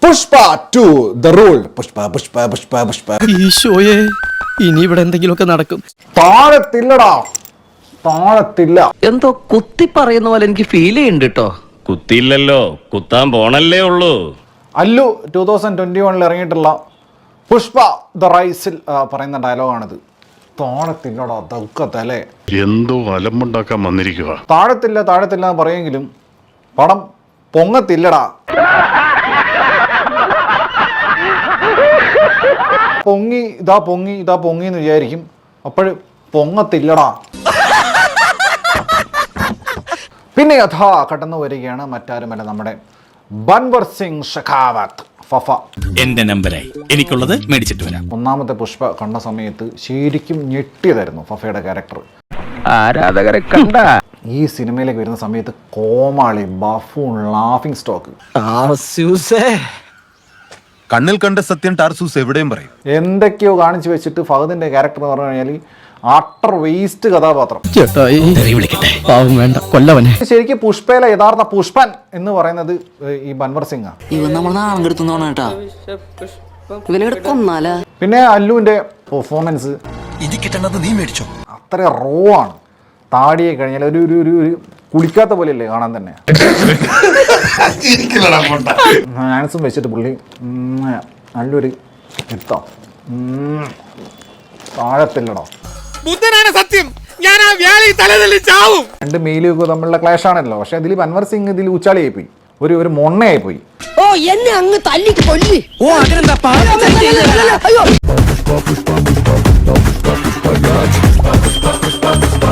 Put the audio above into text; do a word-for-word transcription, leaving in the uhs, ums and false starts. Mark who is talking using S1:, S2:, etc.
S1: Pushpa two the rule. Pushpa Pushpa Pushpa Pushpa.
S2: ഈശോയെ, ഇനി ഇവിടെ എന്തെങ്കിലുമൊക്കെ നടക്കും.
S1: താഴത്തില്ലടാ, താഴത്തില്ല.
S3: എന്തോ കുത്തി പറയുന്ന പോലെ എനിക്ക് ഫീൽ ചെയ്യുന്നുണ്ട് കേട്ടോ.
S4: കുത്തിയില്ലല്ലോ, കുത്താൻ പോണല്ലേ ഉള്ളൂ.
S1: അല്ലു ടൂ തൗസൻഡ് ട്വന്റി വണ്ണിൽ ഇറങ്ങിയിട്ടുള്ള പുഷ്പ ദ റൈസിൽ പറയുന്ന ഡയലോഗാണിത്. താഴത്തില്ലടാ തക്കത്തല്ലേ.
S5: എന്തോ അലമ്പുണ്ടാക്കാൻ വന്നിരിക്കുക.
S1: താഴത്തില്ല താഴത്തില്ല എന്ന് പറയുമെങ്കിലും പടം പൊങ്ങത്തില്ലടാ. പൊങ്ങി ഇതാ പൊങ്ങി ഇതാ പൊങ്ങി എന്ന് വിചാരിക്കും, അപ്പോഴും പൊങ്ങത്തില്ലടാ. പിന്നെ യഥാ കടന്നു വരികയാണ് മറ്റാരുമല്ല, നമ്മുടെ ബൻവർ സിംഗ് ഷെഖാവത്ത് ഫഫ.
S6: എന്റെ നമ്പറായി, എനിക്കുള്ളത് മേടിച്ചിട്ട് വരാം.
S1: ഒന്നാമത്തെ പുഷ്പ കണ്ട സമയത്ത് ശരിക്കും ഞെട്ടിയതായിരുന്നു ഫഫയുടെ ക്യാരക്ടർ.
S3: ആരാധകരെ കണ്ട
S1: ഈ സിനിമയിലേക്ക് വരുന്ന സമയത്ത് കോമാളി, ബഫൂൺ, ലാഫിംഗ് സ്റ്റോക്ക്,
S7: കണ്ണിൽ കണ്ട സത്യം ടാർസൂസ് എവിടെയും പറയും.
S1: എന്തൊക്കെയോ കാണിച്ചു വെച്ചിട്ട് ഫഹദിന്റെ ക്യാരക്ടർ എന്ന് പറഞ്ഞു കഴിഞ്ഞാൽ അട്ടർ വേസ്റ്റ് കഥാപാത്രം.
S2: ചേട്ടായി പാവം വേണ്ട, കൊല്ലവനെ.
S1: ശരിക്കും പുഷ്പയിലെ യഥാർത്ഥ പുഷ്പൻ എന്ന് പറയുന്നത് ഈ ബൻവർ സിംഗ്. പിന്നെ അല്ലുവിന്റെ പെർഫോമൻസ്
S7: നീ മേടിച്ചോ,
S1: അത്ര റോ ആണ്. താടിയെ കഴിഞ്ഞാൽ ഒരു ഒരു ഒരു ഒരു കുളിക്കാത്ത പോലെയല്ലേ കാണാൻ തന്നെ. ആൻസും വെച്ചിട്ട് പുള്ളി നല്ലൊരു എത്താം. താഴത്തില്ലടോ.
S6: ബുദ്ധനാണ് സത്യം, ഞാൻ ആ വ്യാലി തലതല്ലി ചാവും.
S1: രണ്ട് മെയിലൊക്കെ തമ്മിലുള്ള ക്ലാഷ് ആണല്ലോ. പക്ഷെ ഇതിൽ ബൻവർ സിംഗ് ഇതിൽ ഉച്ചാളിയായി പോയി, ഒരു ഒരു മൊണ്ണയായി പോയി.
S3: ഓ എന്നെ അങ്ങ് തല്ലി കൊല്ലി.
S6: ഓ അതിനെന്താ